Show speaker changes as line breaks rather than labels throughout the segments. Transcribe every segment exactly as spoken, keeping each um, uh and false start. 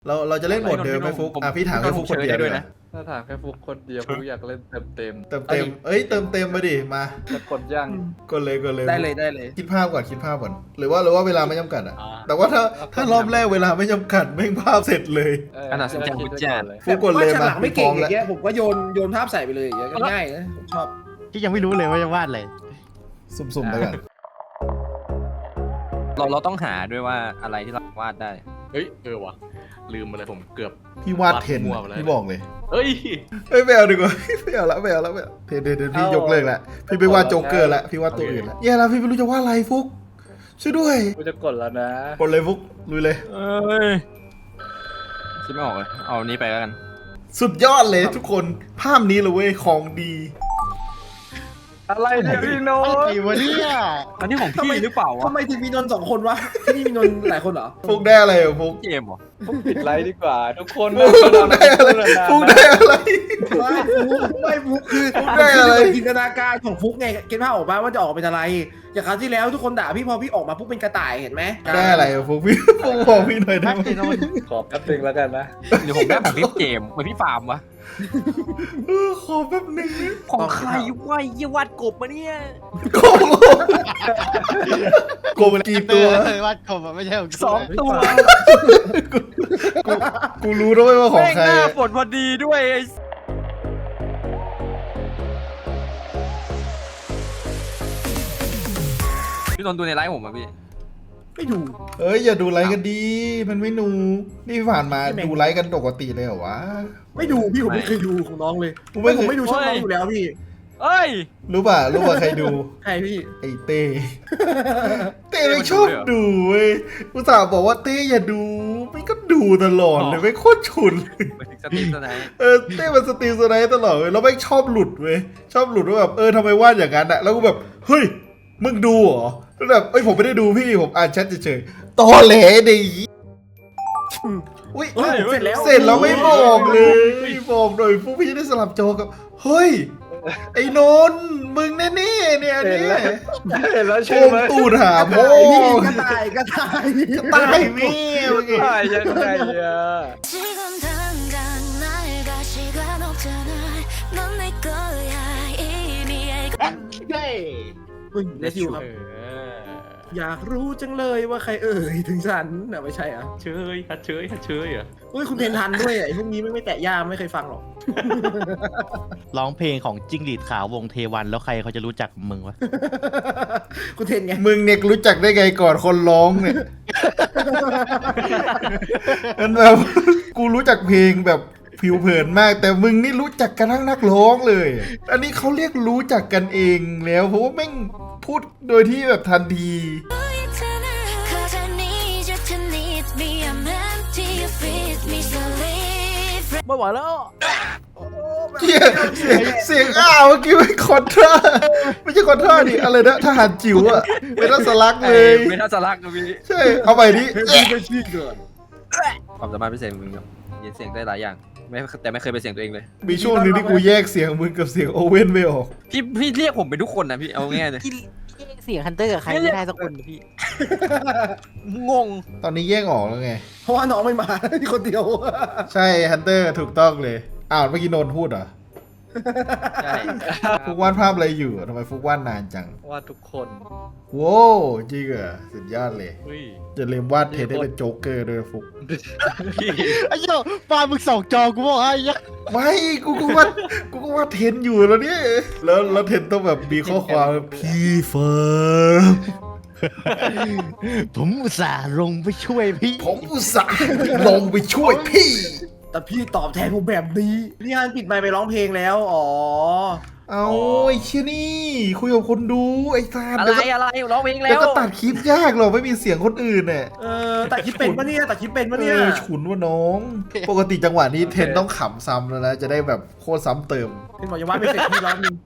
เราเราจะเล่นโหมดเดิมไหมฟุกอ่ะพี่ถามแค่ฟุกคนเดียวด้วยนะ
ถ้าถามแค่ฟุกคนเดียวฟุกอยากเล่นเต็มเต็ม
เติมเต็มเอ้ยเติมเต็มมาดิมา
จะกดย่าง
กดเลยกดเลย
ได้เลยได้เลย
คิดภาพก่อนคิดภาพก่อนหรือว่าหรือว่าเวลาไม่จำกัดอ่ะแต่ว่าถ้าถ้ารอบแรกเวลาไม่จำกัดไม่งภาพเสร็จเลย
ขนาดสัญญาณบุญจาน
ฟุกกดเลย
ฉ
มา
ลากไม่เก่ง
พร้อ
อ
แล้ว
ย่างเงี้ยผมก็โยนโยนภาพใส่ไปเลยอย่างเงี้ยก็ง่ายนะผมชอบ
ที่ยังไม่รู้เลยว่าจะวาดอะไร
สุ่มๆไปก่อน
เราเราต้องหาด้วยว่าอะไรที่เราวาดได้
เฮ้ยเออวะลืมไปเลยผมเกือบ
พี่วาดเทน
มั่วไปเลย
พี่บอกเลย
เฮ้ย
เฮ้ยไม่เอาดีกว่า ไม่เอาละไม่เอาละไม่เอาเทนเทนเทนพี่ยกเลิกละพี่ไปวาดโจ๊กเกอร์ละพี่วาดตัวอื่นละแย่แล้วพี่ไม่รู้จะวาดอะไรฟุกช่วยด้วย
กูจะกดแล้วนะ
กดเลยฟุกลุยเลย
เอ้ยคิดไม่ออกเลยเอานี้ไปแล้วกัน
สุดยอดเลยทุกคนภาพนี้เลยเว้ยของดี
อะไรเนี่ยพี่โน้
ไอ้วะเนี่ย
อันนี้ของพี่หรือเปล่าวะ
ทำไมถึงมีนนท์สองคนวะที่นี่มีนนท์หลายคนเหรอ
ฟุกได้อะไรอ่ะฟุก
เกมเหรอ
ปิดไลฟ์ดีกว่า ทุกคน
ฟุกได้อะไรฟุกได้อะไร
ไม่ฟุกไม่ฟุกคือ
ฟุกได้อะไร
คือจินตนาการของฟุกไงเก็ตภาพออกมาว่าจะออกเป็นอะไรอย่างคราวที่แล้วทุกคนด่าพี่พอพี่ออกมาปุ๊บเป็นกระต่ายเห็นไหม
ได้อะไรอ่ะฟุกพี่ฟุกบอกพี่หน่อยได้ไหม
ขอแป๊บนึงแล้วกันนะ
เดี๋ยวผมได้ของพี่เกมเหมือนพี่ฟาร์มวะ
เออขอแป๊บนึงนะ
ของใครวะยี่วาดกบมาเนี่ย
โกงโกงมันกี่ตัว
วาดกบอะไม่ใช่ของกู
สองตัว
กูกูรู้ด้วยว่าของ
แม่ง
ใคร
หน้า
อะ
ฝนพอดีด้วยไอ้พี่นนท์ดูในไลฟ์ผมอะพี่
ไม่ดู
เอ้ยอย่าดูไลค์กันดี มันไม่หนูนี่ผ่านมา
ไม่แม่ง
ดูไลค์กันปกติเลยเหรอวะ
ไม่ดูพี่ผมไม่เคยดูของน้องเลย
กูไม่
ไม่ผมไม่ดูช่องน้อง
เฮ้ย
อยู่แล้วพี่
เอ้ย
รู้ป่ะรู้ป่ะใครดู
ใครพี่
ไอ้เต้ เต้ไม่ชอบดูเว้ยกูสาวบอกว่าเต้อย่าดูไม่ก็ดูตลอดเลยไม่โคตรฉุนเลย
ไปถึงสตรีมสไนป์
เออเต้มันสตรีมสไนด์ตลอดเว้ยแล้วไม่งชอบหลุดเว้ยชอบหลุดว่าแบบเออทำไมวาดอย่างนั้นอะแล้วกูแบบเฮ้ยมึงดูเหรอแล้วแบบเอ้ยผมไม่ได้ดูพี่ผมอ่านแชทเฉยๆตอแหลดิอุ้ย
เฮ้ยเสร็จแล้ว
เสร็จแล้วไม่บอกเลยบอกหน่อยพวกพี่จะได้สลับโจกับเฮ้ยไอ้นนท์มึงแน่ๆเนี่ยอัน
เห็น
เนี่ย
แล้วเห็นแล้ว
โช
ใช่
ม
ไหม
ตูดหาพ่อ
กระต่ายกระต่าย
ตายแม่เมื่อกี้
ตายยังไงอะ
지금 당장 날 가 시간 없잖아 넌 내 거야 이미 알고
มึงเลซิวครับ อยากรู้จังเลยว่าใครเอ่ยถึงฉันน่ะไม่ใช่อ่ะ
เชยฮัดเชยฮัดเชยอ่ะ
เฮ้ยคุณเทนทันด้วยอ่ะไอ้พวกนี้ไม่ไม่แตะย่ามไม่เคยฟังหรอก
ร้องเพลงของจิ้งหรีดขาววงเทวันแล้วใครเขาจะรู้จักมึงวะ
คุณเทนไง
มึงเนี่ยรู้จักได้ไงก่อนคนร้องเนี่ย มันแบบกูรู้จักเพลงแบบผิวเผินมาก แต่มึงนี่รู้จักกันทั้งนักร้องเลย อันนี้เขาเรียกรู้จักกันเองแล้วเพราะว่าแม่งพูดโดยที่แบบทันที
있잖아 Cause I need you to need me I'm empty you feed me so leave
ไม่ไหวแล้ว
เหี้ยเสียงเสียงอ้าวเมื่อกี้เป็นคอนทราไม่ใช่คอนทราดิอะไรนะทหารจิ๋วอะเป็นรัสลักเลย
ไม่น่าจะรักนะพี่
ใช่เอาไปดิ
พี่ก็ชี้เกิน
ความสามารถพิเศษของมึงครับเย็นเสียงได้หลายอย่างไม่แต่ไม่เคยเป็นเสียงตัวเองเลย
มีช่วงหนึ่งที่กูแยกเสียงมึงกับเสียงโอเว่นไม่ออก
พี่พี่เรียกผมเป็นทุกคนนะพี่เอาง่ายเลย
เสียงฮันเตอร์กับใครไม่ได้สักคนพี่
งง
ตอนนี้แยกออกแล้วไง
เพราะว่าน้องไม่มา ที่คนเดียว
ใช่ฮันเตอร์ถูกต้องเลยอ้าวเมื่อกี้โนนพูดเหรอ
ใช่
ฟุกวาดภาพอะไรอยู่ทำไมฟุกวาดนานจัง
ว่าทุกคน
โว้วจริงเหรอสุดยอดเลย
เฮ้ย
จะเรียมวาดเทนได้เป็นโจ๊กเกอร์ด้วยฟุก
ไอ้เจ้าฟามึงสองจอกูบอกให้ยัก
ไม่กูก็วาดกูก็วาดเทนอยู่แล้วเนี่ยแล้วแล้วเทนต้องแบบมีข้อความพี่เฟิร์ม
ผมอุตส่าห์ลงไปช่วยพี่
ผมอุตส่าห์ลงไปช่วยพี่
แต่พี่ตอบแทนผมแบบนี้พี่ฮันปิดไมค์ไปร้องเพลงแล้วอ๋อ
เอาไอ้เชี่ยนี่คุยกับคนดูไอ้ซาน
อะไร
เดี๋ยวก็
อะไรร้องเพลงแล้
เดี๋ยว
ว
ก็ตัดคลิปยากหรอกไม่มีเสียงคนอื่นเนี่ย
เออแต่คิดเป็นปะเนี่ยแต่คิดเป็นปะเนี่ย
เออฉุนว่าน้อง ปกติจังหวะนี้เทนต้องขำซ้ำแล้วนะจะได้แบบโคตรซ้ำเติม
เป็นบอกยังว่าไม่เสร็จพี่ร้องนึง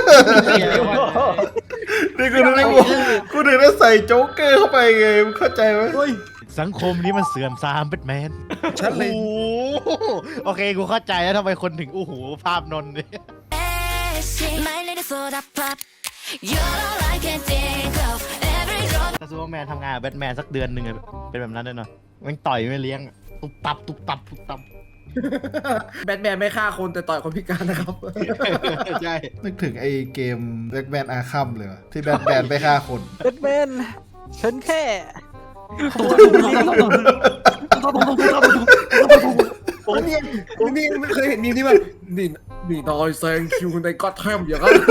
นี่กูนึกว่ากูนึกว่าใส่โจ๊กเกอร์เข้าไปไงมึงเข้าใจไหม
เฮ้ย
สังคมนี้มันเสื่อมทรามเป็นแมน
ชัดเลย
โอ้โหโอเคกูเข้าใจแล้วทำไมคนถึงอู้หูภาพนนท์เนี่ย
My little soda pop You're all I can think of Every drop
ถ้าซูเปอร์แมนทำงานกับแบทแมนสักเดือนหนึ่งอะเป็นแบบนั้นแน่นอนมันต่อยไม่เลี้ยงอะตุบตับตุบตับตุบตับ
แบทแมนไม่ฆ่าคนแต่ต่อยคนพิการนะครับ
ใช่
นึกถึงไอ้เกมแบทแมนอาร์คัมเลยวะที่แบทแมนไปฆ่าคน
แบทแมนฉันแค่
ผมนี่ผมนี่ไม่เคยเห็นมีมที่มันนี่นี่นอยแซงคิวในก็อตแทมอย่างนั้น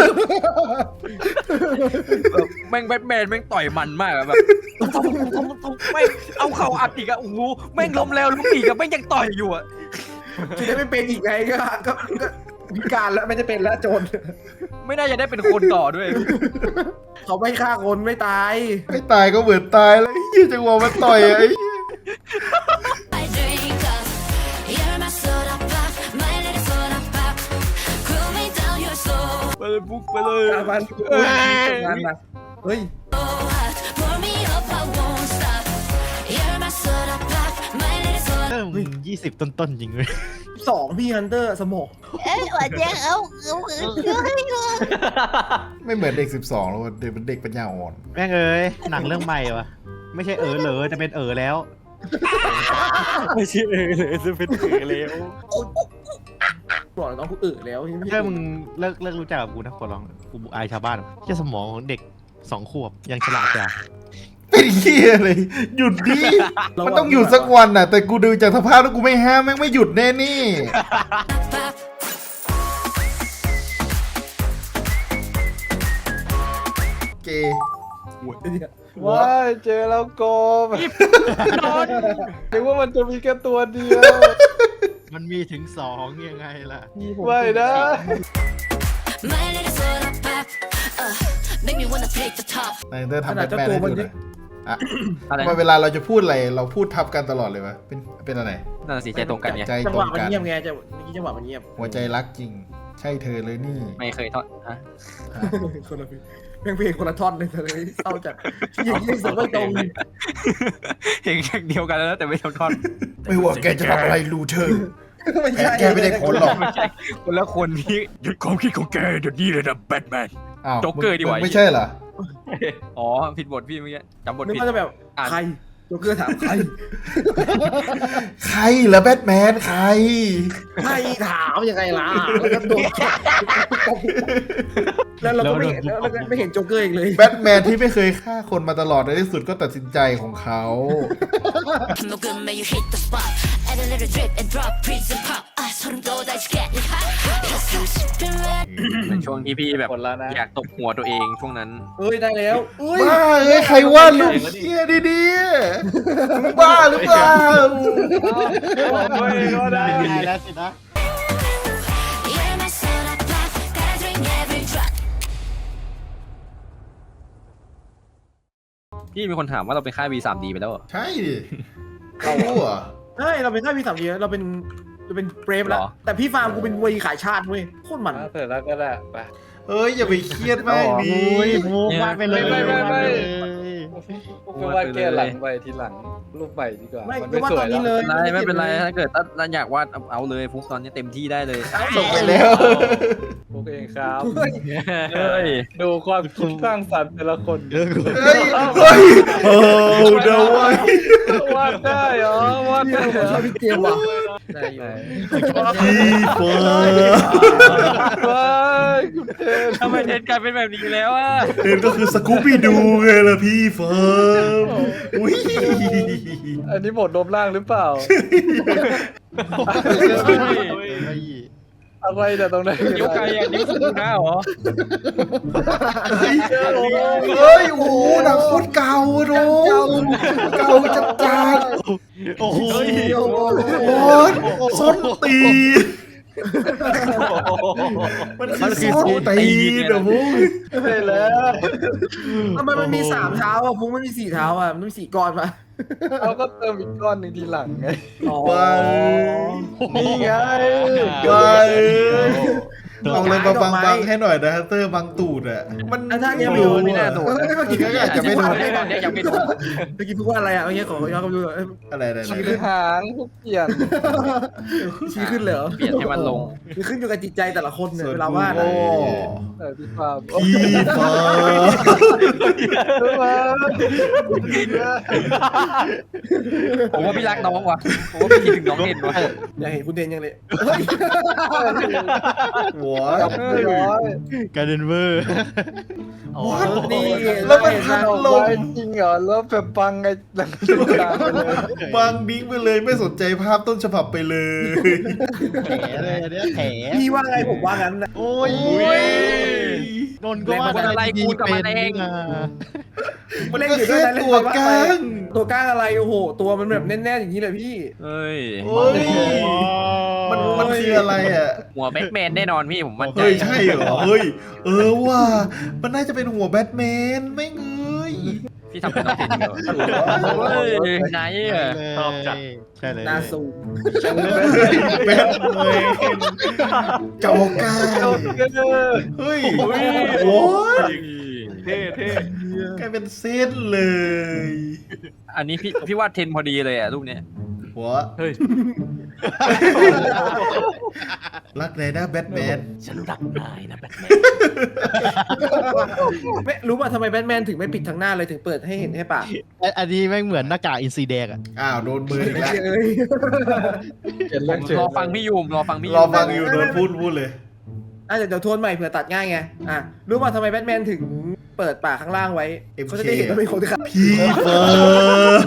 แบบแม่งแบทแมนแม่งต่อยมันมากอะแบบแม่งเอาเข่าอัดอีกอะโอ้โหแม่งล้มแล้วล้มอีกอะแม่งยังต่อยอยู่อะ
จะได้ไม่เป็นอีกไงก็ก็ก็พิการแล้วไม่จะเป็นแล้วโจร
ไม่น่าจะได้เป็นคนต่อด้วย
เขาไม่ฆ่าคนไม่ตาย
ไม่ตายก็เหมือนตายแล้วไอ้เหี้ยจังหวะมันต่อยอะไอ้เหี้ย
I drink up. You're my soda pop, my little soda pop. Cool me down your soul.
ไปเลยบุ๊กไปเลย
มันมันนะเฮ้ย
So hot, pour me up, I won't stop. You're my soda pop, my little soda.
เออมึงยี่สิบต้นๆจริงเลย
สองพี่ฮันเตอร์สมอง
哎，我这เอาเอาเอา
ไม่เหมือนเด็กสิบสองแล้วเด็กเป็นเด็กปัญญาอ่อน
แม่งเอ้ยหนังเรื่องใหม่วะไม่ใช่เออเหลอจะเป็นเออแล้ว
ไม่ใช่เออเลยจะเป็นเออแล้ว
บอกเลยน้องกูเออแล้วยังไม่
ถ้ามึงเลิกเลิกรู้จักกับกูนะขอร้องกูอายชาวบ้านแค่สมองของเด็กสองขวบยังฉลาดจ้ะ
เป็นเหี้ยเลยหยุดดิมันต้องหยุดสักวันน่ะ แต่กูดูจากสภาพแล้วกูไม่ห้ามแม่งไม่หยุดแน่นี่ เกย์
ว้ายเจอแล้วโกมนึกว่ามันจะมีแค่ตัวเดียว
มันมีถึงสองยังไงล่ะ
ไม่นะ
My little soda pop, uh, make me wanna take the top.
นายเตอร์ทำแบทแมนให้ดูหน่อยอ่ะ
อะไร
ทำไมเวลาเราจะพูดอะไรเราพูดทับกันตลอดเลยวะเป็นเป็นอะไร
นั่นนะสิใจตรงกันไง
ใจ
จัง
ต
ห
ร
วะ
ง
มัน
กัน
เงียบไงจะเมื่อกี้จังหวะมันเงียบ
หัวใจรักจริง ใช่เธอเลยนี่
ไม่เคยทอดฮะ
คนละเพลงเพลงเพลงคนละท่อนเลยเลยเศร้าจัดอย่างนี้สุดไม่ตรง
เพลงอย่างเดียวกันแล้วแต่ไม่ทำทอด
ไม่ว่าแกจะทำอะไรรู้เธอ
ไม่
แก
ใช่
แกไม่ได้ผลหรอก
ไม่ใช่คนละคนที่หยุดความคิดของแกเดี๋ยวนี้เลยนะแบทแมน
อ้าว
โจ๊กเกอร์ดีกว่า
มึงไม่ใช่เหรอ
อ๋อผิดบทพี่เมื่อกี้จำบท
นึก
ผิด
ว่าจะแบบ
อ่าน
ใครโจ๊กเกอร์ถามใคร
ใครเหรอแบทแมนใคร
ใครถามยังไงล่ะแล้วก็โดนแล้วเราก็ไม่เห็นแล้วเราก็ไม่เห็นโจ๊กเกอร์อีกเลย
แบทแมนที่ไม่เคยฆ่าคนมาตลอดในที่สุดก็ตัดสินใจของเขา
No good, man, you hit the spot. Add a little drip and drop, prison pop. 아, 소름 돋아, it's getting hot. Yes, I'm sipping red.
เป็นช่วงที่พี่แบบ
หมดแล้วนะ
อยากตบหัวตัวเองช่วงนั้น
เอ้ยได้แล้วเอ้ย
บ้าเอ้ยใครว่าลูกเฮียดีๆมึงบ้าหรือเปล่า
โอ้ยก็ได้
ไม่ได้แล้วสินะ
You're my soda pop, gotta drink every drop.
พี่มีคนถามว่าเราเป็นค่าย วี ทรี ดี ไปแล้วเหรอ
ใช่ดิเขารู้เหรอ
ใช่เราเป็นท่าพี่สามเดียวเราเป็นเราเป็นเบรฟแล้วแต่พี่ฟาร์มกูเป็นวัยขายชาติเว้ยโคตรมัน
เสร็จแล้วก็ได้ไป
เอ้ยอย่าไปเครียดมากดิ
โอ้ยมูฟาดไปเลย
ไม่ไม่ไม่
วาดไปเลย
ก็ว่าแก้หลังไปทีหลังรูปใหม่ดีกว่า
ไม่
มัน
ก็
ไม่
ว่า
ส
ต
ว
อย น
แล้
นี้
ว
เลย
ไม่เป็นไรไม่เป็นไรถ้าเกิดถ้าอยากวาดเอาเอาเลยฟุกตอนนี้เต็มที่ได้เลย
ส่งไปแล้ว
พวกเองครับ
เฮ้ย
เฮ้ย
ดูความคิดสร้างสรรค์แต่ละคน
เออกู
เฮ้ยเฮ้ยโอ้เดาไว้
วาดได้เหรอวาดได้เหร
ชอบ
อ
พี่เกมว่ะ
ได้อยู่
พี่เฟิร์น
ว้ายคุณเทน
ทำไมเทนกลายเป็นแบบนี้แล้วอ่ะ
เอ็นก็คือสกูปี้ดูไงล่ะพี่เฟิร์นอุ้ย
อันนี้บทรวมร่างหรือเปล่า อะไรเนี่ยตรงไหน
นิ้วไกลอ่ะนิ้วสุดหน้าเหรอ
เฮ้ยเฮ้ยโอ้โหหนังโคตรเก่าอะโดมเก่าจัดจัด
โอ้โห
โอ้ยส้นตีนมันคือส้นตีนนะมุ้ง
ใช่แล้ว
ทำไมมันมีสามเท้าอ่ะพุงมันมีสี่เท้าอ่ะมันมีสี่ก้อนปะ
เราก็เติมอีกก้อนหนึ่งทีหลังไง
ไป
นี่ไง
ไปเอาเลยมาบังบังให้หน่อยนะฮันเตอร์บังตูดอ่ะมัน
อ่ะถ้าเนี่ย
ไม่
ไม่
รู้
รู้
ไม่น่าโดน
เฮ้ยเมื่อกี้
อาจจะไม่โดน
ตอนนี้ยังไม่โดน
เมื่อกี้พูดว่าอะไรอ่ะเมื่อกี้ขอย้อนกลับไปดูหน่อยเอ้ย
อะไรอะไรอะไร
คือหางพวกเปลี่ยน
ชี้ขึ้นเลยเหรอ
เปลี่ยนให้มันลง
มันขึ้นอยู่กับจิตใจแต่ละคนเนี่ย
ส่วน
เวลาว่าด
โอ้
อะ
เออพี่ความ
พี่ฟ้า
ผมว่าพี่รักน้องว่ะผมว่าพี่คิดถึงน้องเห็นว่ะ
อยากเห็นคุณเดนยังเลย
หัว
ไม่ร้อย
การเดนเวอร์
วัด
นี่
แล้วมันพัด
เอา
ล
ไว้
ม
จริงเหรอแล้วแบบบังไงหลังกลางไปเลย
บังดิ้งไปเลยไม่สนใจภาพต้นฉบับไปเลย
แผลเลยอันเนี้ยแผล
พี่ว่าไงผมว่างั้นนะ
โอ้ย
อุ้ย
นนท์ก็ว่าอะไรดีเป็นนี่นะ
มันก็แค่ตัวกลาง
ตัวก้างอะไรโอ้โห ตัวมันแบบแน่นๆอย่างนี้เลยพี่
เฮ้ย
โอ้ยมันมันคืออะไรอ่ะ
หัวแบทแมนแน่นอนพี่ผมมั่นใจ
เฮ้ยใช่เหรอเฮ้ยเออว่ะมันน่าจะเป็นหัวแบทแมนไม่เงย
พี่ทำเป็นน้องเห็นอยู่เฮ้ยไหนอ่ะ
ชอบจัดใช่เลย
หน้าซูม
แบทแมนเจ้าก้าเฮ้ยโอ้ย
เท่เท่
กลายเป็นเส้นเลย
อันนี้พี่พี่วาดเทนพอดีเลยอ่ะรูปเนี้ย
หัว
เฮ้ย
รักเลยนะแบทแมน
ฉันรักนายนะแบทแมน
ไม่รู้ป่ะทำไมแบทแมนถึงไม่ปิดทั้งหน้าเลยถึงเปิดให้เห็นแค่ปาก
อันนี้แม่งเหมือนหน้ากากอินซีแดงอะ
อ้าวโดนมืออีกแล้ว
เอ้ย
เปลี่ยน
ผ
เรื่อง
ม
เฉย
รอฟังพี่ยูมรอฟังพี่ยู
รอฟังอยู่โดนพูดพูดเลย
อ่ะเดี๋ยวเดี๋ยวทวนใหม่เผื่อตัดง่ายไงอ่ะรู้ป่ะทำไมแบทแมนถึงเปิดปากข้างล่างไว้
เอ็มเค
เขาจะได้เห็นว่าเป็นคนที่ขับ
พี่เฟิร์น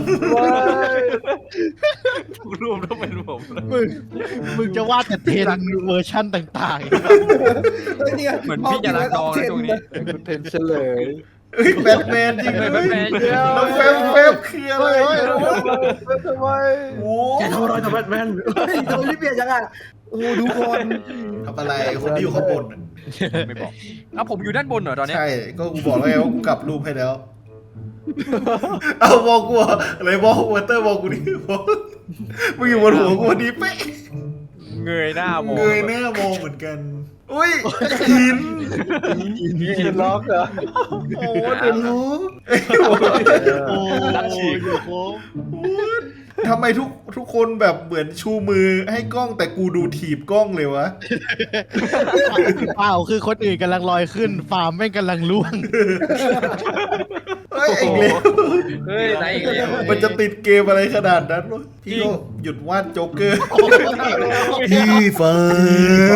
ทุกรูปต้องเป็นผม
มึงมึงจะวาดแต่เทนเวอร์ชั่นต่าง
เฮ้ยเนี่ย
เหมือนพี่จะรักน้องนะตรงนี้
คุณเทนเฉลย
เฮ้ยแบทแมนจริงเลย
แบทแมน
แล้วแฟมแฟมคืออะไร
ทำไม
โอ้
แกทำอะไรกับแบทแมนเฮ้ยทำไมรีบเปลี่ยนจังอ่ะโอ้ดูคน
ทำอะไรคนที่อยู่ข้างบนน่ะ
ไม่บอกเอ้าผมอยู่ด้านบนเหรอตอนเนี้ย
ใช่ก็กูบอกแล้วไงว่ากูกลับรูปให้แล้ว เอาบอกกูอะอะไรบอกวอเตอร์บอกกูดิบอกมึงอยู่บนหัวกูพอดีเป๊ะ
เงยหน้ามอง
เงยหน้ามองเหมือนกัน อุ้ยหิน
กินล็อกเหรอ
โอ้เดี๋ยวรู้
ๆ โอ้ยอยู่โค้ง
ทำไมทุกทุกคนแบบเหมือนชูมือให้กล้องแต่กูดูถีบกล้องเลยวะ
เปล่าคือคนอื่นกำลังลอยขึ้น ฟาร์มแม่งกำลังล่วง
เฮ้ยไอ้เร็ว
เฮ้ยไหนอีกแล้ว
มันจะติดเกมอะไรขนาดนั้นวะพี่ก็หยุดวาดโจ๊กเกอร์ พี่เฟิร์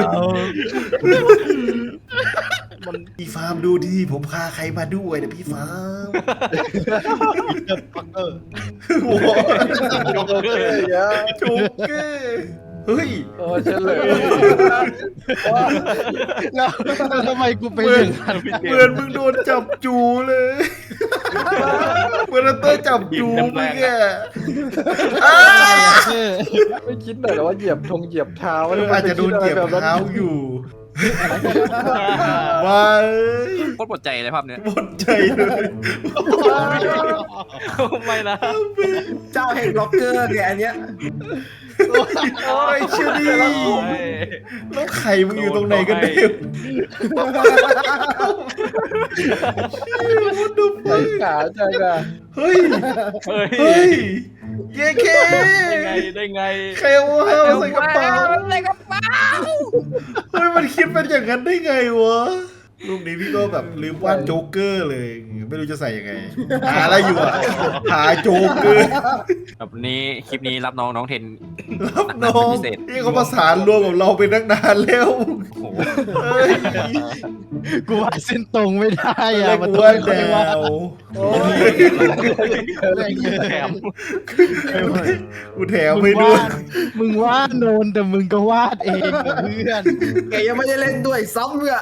นพี่ฟาร์มดูดิผมพาใครมาด้วยนะพี่ฟาร์มโอ้โห
โอเคอ่ะ
โจ๊กเกอร์เฮ้ย
โอ้เฉลย
แล้วแล้วทำไมกูเป็น
เหมื
อ
อน
ย่างนั้น
เหมือนมึงโดนจับจูเลยเหมือนเตอร์จับจูมึงอะอ้า
ไม่คิดหน่อยเหรอว่าเหยียบธงเหยียบเท้า
อาจจะโดนเหยียบเท้าอยู่ว้าย
โคตรปวดใจเลยภาพเนี้ย
หมดใจเลย
ไม่นะ
เจ้าแห่งล็อกเกอร์เนี่ยอันเนี้ย
โอ้ยเชื่อดิแล้วไข่มึงอยู่ตรงไหนกันเด็ก
ไอ้ขาจังอ่ะ
เฮ้ย
เฮ้ย
เฮ้ยเย้เค
ได้ไงได้ไง
ใครเอาห้าวใส่กระเป๋า
ใส่กระเป๋า
เฮ้ยมันคิดเป็นอย่างนั้นได้ไงวะรูปนี้พี่ก็แบบลืมวาดโจ๊กเกอร์เลย ไม่รู้จะใส่ยังไง หาอะไรอยู่อะหาโจ๊กเกอร์
แบบนี้คลิปนี้รับน้องน้องเทน
รับน้องนี่เขาประสานรวมกับเราเป็นนักนานแล้ว
โอ้โห
เฮ้ย
กูวาดเส้นตรงไม่ได้
เรี
อะ
ยก
มัน
กู
ต้อง
ว่า
เป็นคน
แด
วาด
ว
โอ้ย
แรงเยอะ
แถม
กูแถมไม่ด้วย
มึงวาดโนนแต่มึงก็วาดเองกับเพื่อน
แกยังไม่ได้เล่นด้วยซ้ำเลยอะ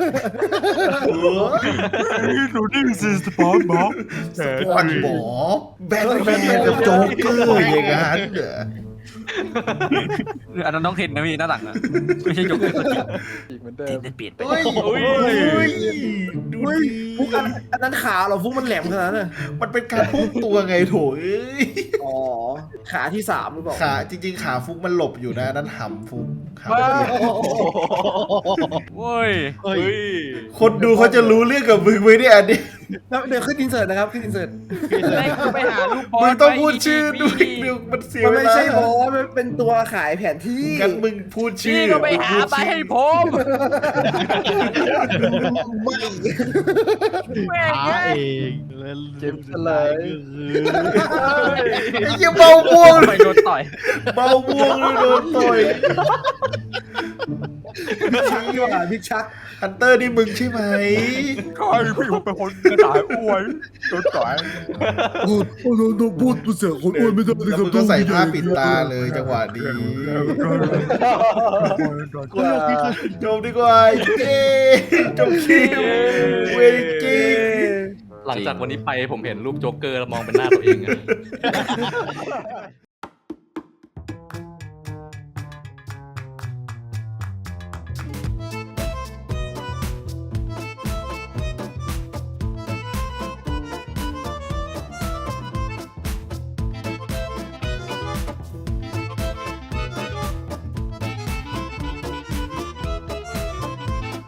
ดูนี่สิสปอร์ตบ็อก
สปอนบอแบทแมนกับโจ๊กเกอร์อย่างนั้นเหรอ
อันนั้นน้องเทนนะพี่หน้าหลังอะไม่ใช่โจ๊กเกอร์ตัวจริง
อีกเหมือนเดิ
เท
ม
นเปลี่ยนไป
เฮ้ย
โอ้ย
เฮ้ยดู
เฮ้ย
ดี
ฟุกอันอันนั้นขาเหราฟุกมันแหลมขนาดนั้นเลย
มันเป็นการพุ่งตัวไงโถเอ้ย
อ๋อขาที่สามหรือเปล่า
ขาจริงๆ ขาฟุกมันหลบอยู่นะอันนั้นหำฟุกขา
โอ้ย
เฮ้ย
คนดูเขาจะรู้เรื่องกับมึงไหมเนี่ยอันนี้
แล้วเดี๋ยวขึ้นอินเสิร์ตนะครับขึ้นอินเสิร์ต
แม่งไปหาลูกบอล
มึงต้องพูดชื่อด้วยเดี๋ยวมันเสีย
มัน
เว
ไม่
ลา
ใช่บอสมันเป็นตัวขายแผนที่
งั้นมึงพูดชื่
พี่
อ
ก็ไปหาไปให้ผม
ไม่
แม่ง
หา
เอ้ย
เองแล้ว
เจ็บเฉลย
ไอ้เหี้ยเบาม่วง
ไปโดนต่อย
เบาม่วงเลยโดนต่อย
ชักดีกว่าบิ๊กชัก
ฮันเตอร์นี่มึงใช่ไหม
ใครพี่ผมเป็นคนกระต่ายอ้วนโดนต่อย
พูดพูดพูดพูดเสียงคนอ้วนไม่ได้
แล้วมึงก็ใส่ผ้าปิดตาเลยจังหวะนี้ จบดีกว่าเย้จบคิวเวจิง
หลังจากวันนี้ไปผมเห็นรูปโจ๊กเกอร์แล้วมองเป็นหน้าตัวเองอะ